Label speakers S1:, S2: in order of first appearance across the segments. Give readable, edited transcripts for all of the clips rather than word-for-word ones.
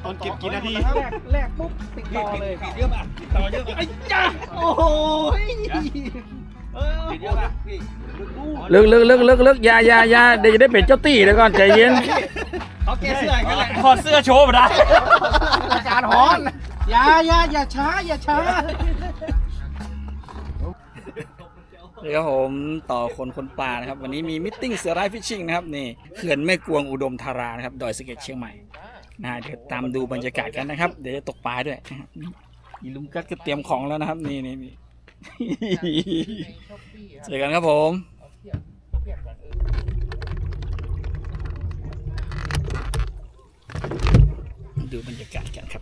S1: อนเก็บกี่นาที
S2: แรกปุ๊บติดต่อเลย
S1: เยอะป่ะติดต่อเยอะป่ะไอ้จ้า
S2: โอ้โห
S1: ติดเยอะป่ะพี่
S3: ลึกอย่าเดี๋ยวจะได้เป็นเจ้าตี้เดี๋ยวก่อนใจเย็น
S1: เขาแก้เสื้อกันแหละ
S3: ถอดเสื้อโชว์มาได้
S2: อาการฮ้อนอย่าช้า
S3: นี่ครับผมต่อคนปลานะครับวันนี้มีมิทติ้งเสือร้ายฟิชชิ่งนะครับนี่เขื่อนแม่กวงอุดมธารานะครับดอยสะเก็ดเชียงใหม่เดี๋ยวตามดูบรรยากาศกันนะครับเดี๋ยวจะตกปลาด้วยอีลุงกัดก็เตรียมของแล้วนะครับนี่เจอกันครับผมดูบรรยากาศกันครับ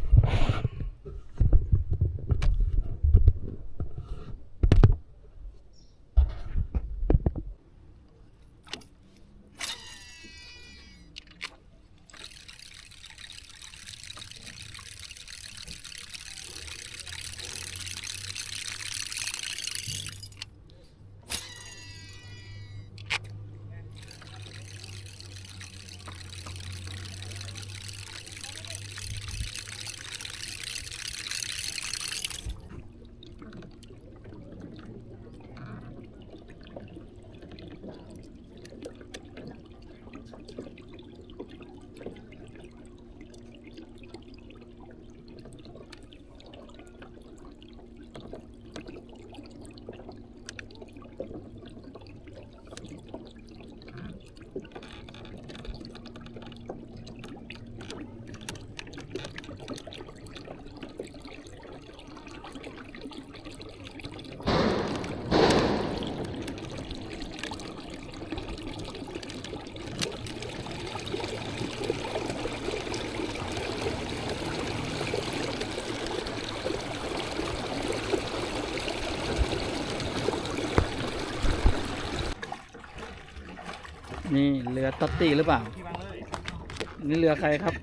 S3: นี่เรือตัตตี้หรือเปล่านี่เรือใครครับ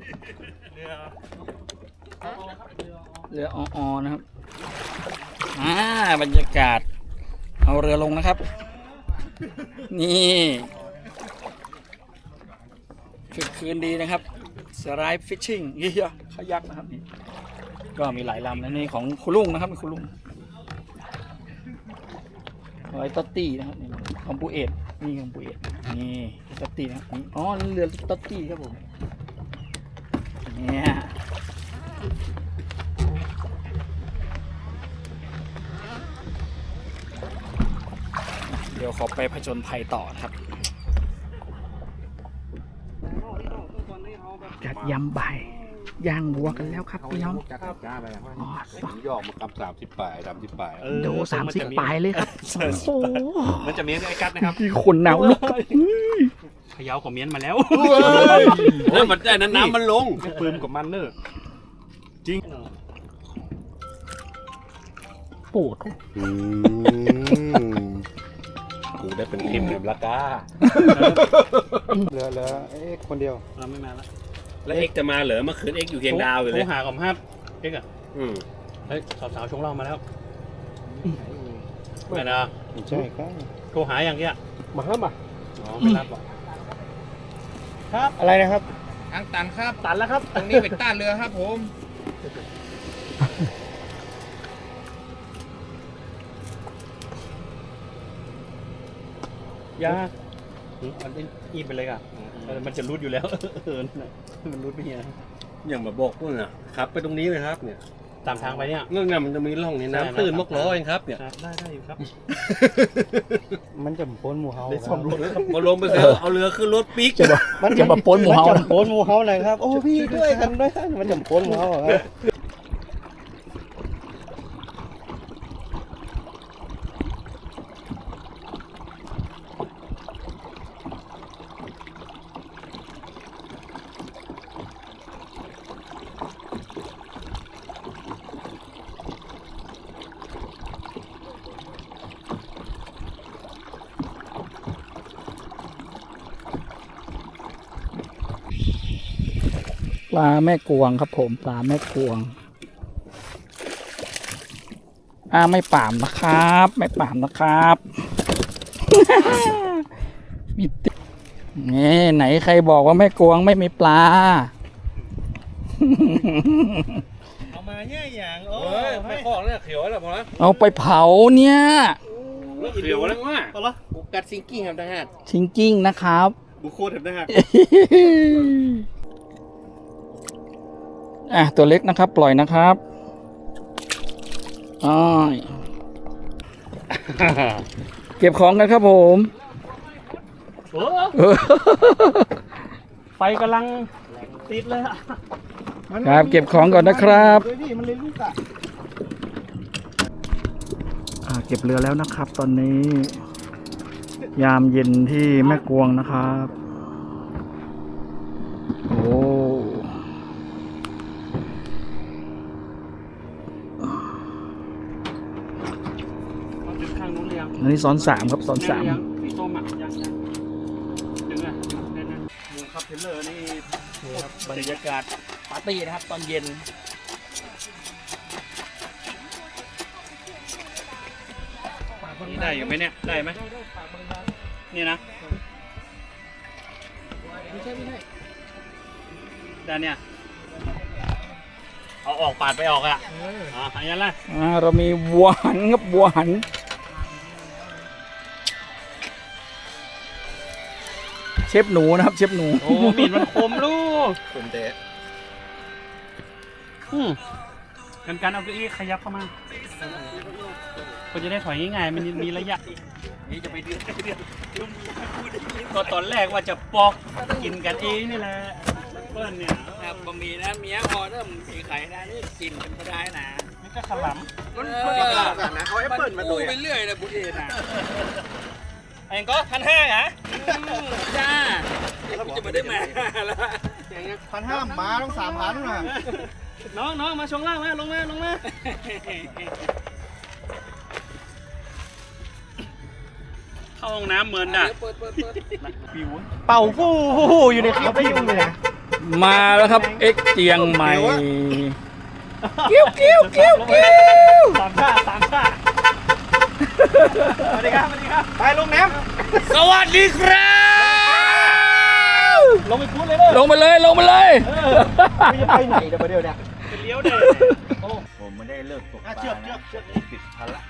S3: เรืออนะครับบรรยากาศเอาเรือลงนะครับนี่คืนดีนะครับสไลด์ฟิชชิ่งเยอะขยักนะครับนี่ก็มีหลายลำนะนี่ของคุณลุงนะครับคุณลุงไว้ตัตตี้นะครับนี่ของปูเอ็ดนี่ของปูเอ็ดนี่ตัตตี้นะครับอ๋อเรือตัตตี้ครับผมเนี่ยเดี๋ยวขอไปผจญภัยต่อนะครับจัดยำใบย่างวัวกันแล้วครับพี่น้องอ๋
S1: อยอกมากำ30 ปลาย30 ปลาย
S3: โด30 ปลายเลยครับโอ้
S1: มันจะเมียนไอ้กัดนะครับ
S3: พี่คนหนาวลุก
S1: พะเยาของเมียนมาแล้วแล้วมันได้น้ำมันลงปืนกับมันเนอะจริง
S3: ปวด
S1: กูได้เป็นทีมแบบละก้า
S2: เหลือเอ็กคนเดียว
S1: ไม่มาแล้วแล้วเอ็กจะมาเหรอเมื่อคืนเอ็กอยู่เคียงดาวอยู่เลยโทรหากับฮับเอ็กอ่ะเฮ้ยสาวชงเหล้ามาแล้วไม่นะ
S2: ใช่ครับ
S1: โทรหาอย่างเงี้ย
S2: มาครับ
S1: อ๋อไม่รับหรอก
S2: ครับอะไรนะครับ
S4: ทางตันครับ
S2: ตันแล้วครับ
S4: ตรงนี้เป็นต้าเรือครับผม
S1: ยามันอีไปเลยอ่ะมันจะรุดอยู่แล้วมันรุดไปเนี่ยอย่างมาบอกพวกน่ะครับไปตรงนี้เลยครับเนี่ยตามทางไปเนี่ยเรื่องนี้มันจะมีร่องนี่น้ำตื้นมกล้อเองครับเนี่ยได้อยู่ครับ
S2: มันจะพ้นหมู่เฮา
S1: มาลงไปเอาเรือขึ้นรถปิ๊ก
S3: มันจะมาพ้นหมู่เฮา
S2: พ้นหมู่เฮาเลยครับโอ้พี่ด้วยกันด้วยมันจะพ้นหมู่เฮาครับ
S3: ปลาแม่กวงครับผมปลาแม่กวงไม่ป่ามนะครับไม่ป่ามนะครับมีนี่ไหนใครบอกว่าแม่กวงไม่มีปลา
S2: เอามาแย่อย่างโอ้
S1: เฮ้ยไม่คอกเนี่ยเขียวแล้วพอละ
S3: เอาไปเผาเนี่ย
S1: เขียวแล้วว่า
S2: เอาละบุกกัดซิงกิ้งครับทหาร
S3: ชิงกิ้งนะครับ
S2: บุกโคตรทหาร
S3: ตัวเล็กนะครับ ปล่อยนะครับอ้อยเก็บของกันครับผม
S1: ไฟกำลังติดเลยอะ
S3: ครับเก็บของก่อนนะครับ
S2: ด้วยดิมันเลยลูกอะ
S3: เก็บเรือแล้วนะครับ ตอนนี้ ยามเย็นที่แม่กวงนะครับ โอ้
S1: ดึงข้างนู้นเลยยัง
S3: อันนี้ซ้อน3ครับซ้อน3
S1: สีส้มอ่ะยังดึงอ่ะดึงดูครับเทเลอร์นี่บรรยากาศ
S3: ปาร์ตี้นะครับ ตอนเย็น
S1: นี่ได้อยู่ไหมเนี่ยได้ไหมนี่นะไม่ใช่ด้านเนี่ยเอาออกปาดไปออกอ่ะอันนี้ละ
S3: เรามีวัวหันครับวัวหัน เชฟหนูนะครับเชฟหนู
S1: โอ้มีดมันคมลูก
S2: ผมเตะ
S1: การเอาเก้าอี้ขยับเข้ามาก็จะได้ถอยง่ายๆมันมีระยะนี่จะไปเดือดก็ตอนแรกว่าจะปอกกินกันเองนี่แหละเปิ้ลเนี่ย
S3: ครับบะหมี่นะเมียพอเริ่มมีไข่ได้นี่กินเป็นก็ได้นะ
S1: นี่ก็ขล
S2: มันกันนะเอาแอปเปิลมาตัว
S3: ไปเรื่อยนะบุญเอ็นอ่ะ
S1: ำเองก็1,500เหรอ
S3: จ้าจะมาได้มาแล้ว
S2: 1,500มาต้อง3,000นะ
S1: น้องมาช่วงล่างมาลงมาเข้าห้องน้ำเหมือนน่ะปิว
S2: เป่าฟู่อยู่ในคลิปพี่เลยนะ
S3: มาแล้วครับเอ็กเจียงใหม่กิ้วกิ้วกิ้วกิ้ว
S1: สามชาสวัสดีครับ
S2: ไปลงน้
S3: สวัสดีครับ
S1: ลงไปพูดเลยเด้อ
S3: ลงมาเลยลงมาเลย
S2: ำจะไปไหนเดี๋ยวเนี่ย
S1: เป็นเลี้ยวเด้อ
S2: ผมไม่ได้เลิกตกปลาเชือกปิดพันละ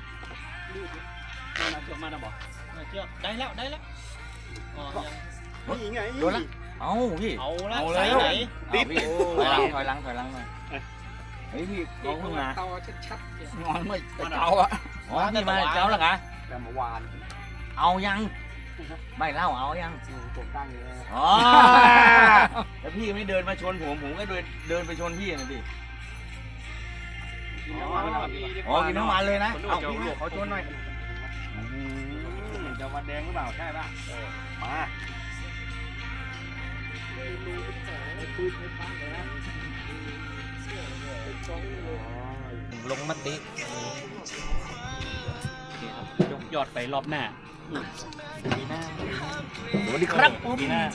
S1: มาเชือกมานะบอกเชือกได้แล้วอ๋อยัง
S2: นี่ไง
S5: โดนละเอาพี่
S1: เอาละ
S5: เอา
S1: ใส่
S5: แล้ว
S1: ไหน
S5: ติดถอยหลังหน่อยเฮ้ยพี่น้องเพิ่งมา
S3: เตาชัดๆนอนไม่เตาอ่ะ
S5: อ๋อพี่มาเจ้าหรอคะ
S2: แต่เมื่อวาน
S5: เอายังไม่เล่าเอายัง
S2: ผมตั้งเลย
S5: อ๋อแล้วพี่ไม่เดินมาชนผมก็เดินไปชนพี่นะดิอ๋อกินทั้งวันเลยนะเอาพี่เขาชนหน่อย
S2: จะวันแดงหรือเปล่าใช่ป่ะมา
S5: ลงมติ
S1: ยกยอดไปรอบหน้า
S5: สวัสดีครับ
S1: ปีหน้า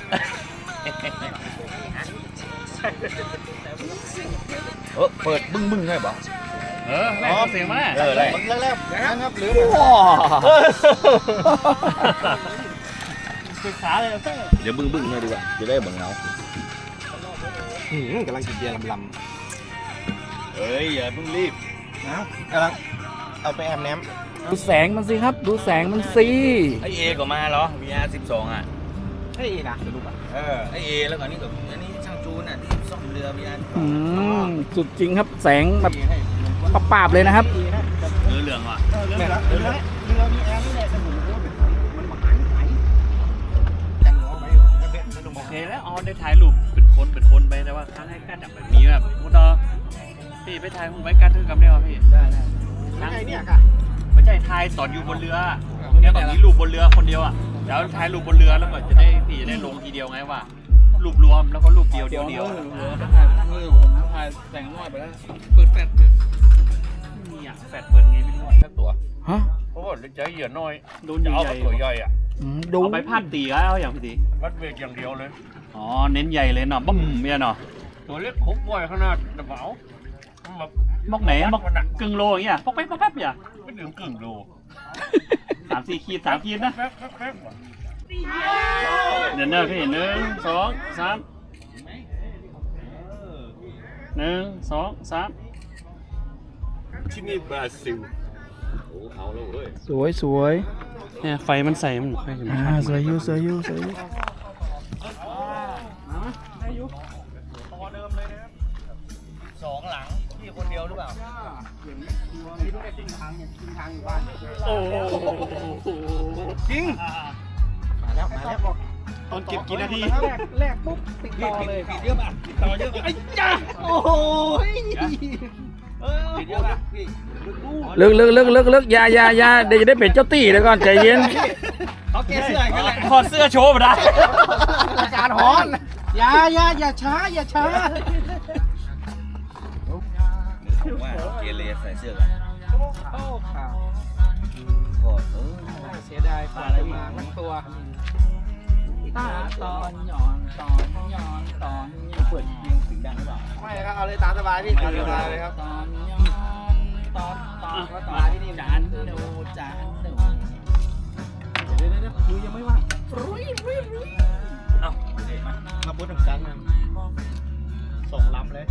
S5: เปิดบึ้งได้ปะ
S1: แรกเสียงมา
S5: แรก
S2: แรกนะครับหรือ
S1: ศึกษาเลย
S5: เดี๋ยวบึ้งให้ดีกว่าจะได้บังเงาก
S2: ำลังกินเบียร์ลำ
S5: เฮ้ยอย่าเพิ่งรีบ
S2: นะกำลังเอาไปแอมแนม
S3: ดูแสงมันสิครับ ดูแสงมันสิ
S5: ไอเอก็มาเหรอ VR12 อ่ะ
S2: ให้อีกนะสรุปอ่ะ
S5: ไอเอแล้วก็นี่กับอันนี้ช่างจูนอ่ะที่ซ่อมเรือ VR12
S3: สุดจริงครับแสงแบบปราบๆเลยนะครับ
S1: เหลืองว่ะ
S2: เรือมีแอมนี่แหละสมุนมันหวานไหมจังหวะไปสนุก
S1: โอเคแล้วอ๋อได้ถ่ายรูปเป็นคนไปแต่ว่าครั้งให้การแบบมีแบบมุดพี่ไปถ่ายผมไว้การถือกำได้ป่ะพี่ได้ครั้ง
S2: ไงเนี่ยค่ะ
S1: ไม่ใช่ถ่ายตอนอยู่บนเรือเนี่ยตอนนี้รูปบนเรือคนเดียวอ่ะแล้วถ่ายรูปบนเรือแล้วก็จะได้พี่จะได้ลงทีเดียวไงว่ารูปรวมแล้วก็รูปเดียว
S3: ถ่
S1: ถ่
S3: ายแต่งน้อยไปแล้ว
S1: เปิดแฟลชเนี่ยแฟลชเปิดไงไม่รู้
S5: แค่ตัว
S3: ฮะ
S5: เพราะว่าใจเหยื่อน้อย
S1: โดนให
S5: จะเอา
S1: ญ่
S5: ตัวใหญ่อ่ะ
S3: ดู
S1: เอาไปพาดตีแล้วอย่างพี่ตี
S5: วัดเวทอย่างเดียวเลย
S1: อ๋อเน้นใหญ่เลยเนาะบึ้มเนี่ยเนาะ
S5: ตัวเล็กคุกบ่อยขนาดกระเป๋าแบบ
S1: มอกไหนมอกกึ่งโลอย่างเงี้ยปอกแป๊บอย่า
S5: ไม่ถึงกึ่งโล
S1: 3-4 ขีด3 ขีดนะ
S5: แป๊บ
S1: เดี๋ยวเนอะพี่1 2 3
S3: 1 2 3
S1: ที่นี่บราซิลโอ้เอาแล้วเว้ย
S3: สวยสวย
S6: เนี่ยไฟมันใส่มันค่อยจะ
S3: สวยอยู่สวยอยู่สวยอยู่
S5: สองหลังพี่คนเดียวหรือเปล่า
S2: จริงมาแล้วบอก
S6: ตอนเก็บกี่นาที
S2: แรกปุ๊บติดต่อเลย
S5: ผิดเยอะป่ะต่อเยอะป่ะ
S2: ไอ้จ้าโอ้โห
S5: ผิดเยอะป่ะพี่
S3: ลึกอย่าเดี๋ยวจะได้เป็นเจ้าตี้เดี๋ยวก่อนใจเย็น
S2: เขาแก้เสื้อกันแหละ
S3: ถอดเสื้อโชว์มาได้
S2: อาการฮอนอย่าช้าอย่าช้า
S5: ว่าเกเรใส่เสื้อกัน
S2: โอ้ข่าว
S5: ถอด
S2: เสียดายกว่าอะไรมาทั้งตัวตาตอนหย่อนเปิดยิงถึงดังหรือเปล่าไม่ครับเอาเลยตามสบายพี่ตามสบายเลยครับตอนก็ตอนที่นี่จานดูเดี๋ยวดูยังไม่ว่างมาพูดถึงกันนะส่งล้ำเลย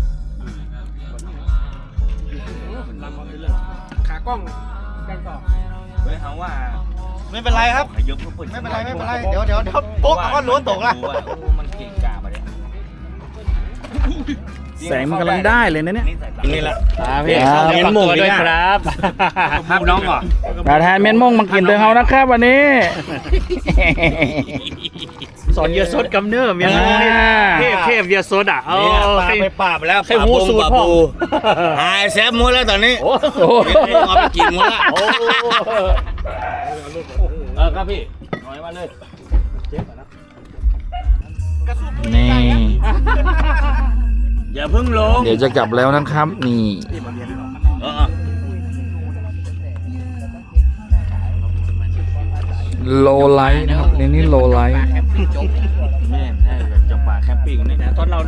S2: ล้ำมาเรื่อยขากล้องกันต่อ
S5: เฮ้ยเขาว่า
S2: ไม่เป็นไรครับ
S5: ขยับเปิด
S2: ไม่เป็นไรเดี๋ยวโป๊กเอาก้อนล้วนตกละ
S5: มันเก่งกามาเนี่ย
S3: แสงมันกำลังได้เลยนะเนี่ย
S5: นี่แหละ
S6: พี่
S3: ครับ
S6: เมียนหมูด้วยครับ
S1: ภาพน้องก่อน
S3: ประธานเมียนมงมากินเตือนเขานะครับวันนี้
S6: สอนเยอะสดกำเนิดเมียนหมูนี่เทพเยอะสดอ่ะเอา
S5: ปลาไปปราบแล้ว
S6: ให้หูสูตรพ่อ
S5: หายแซฟหมดแล้วตอนนี้
S3: โอ้โห
S5: เอาไปกินหมดละ
S6: ครับพี่
S5: น้อยมาเลย
S3: นี่
S5: อย่าเพิ่งลง
S3: เดี๋ยวจะกลับแล้วนะครับ นี่ โลไลท์นะครับนี่โลไลท์
S5: แม่ใช่แบบจับปลาแคมปิ้งนี่
S6: ตอนเรา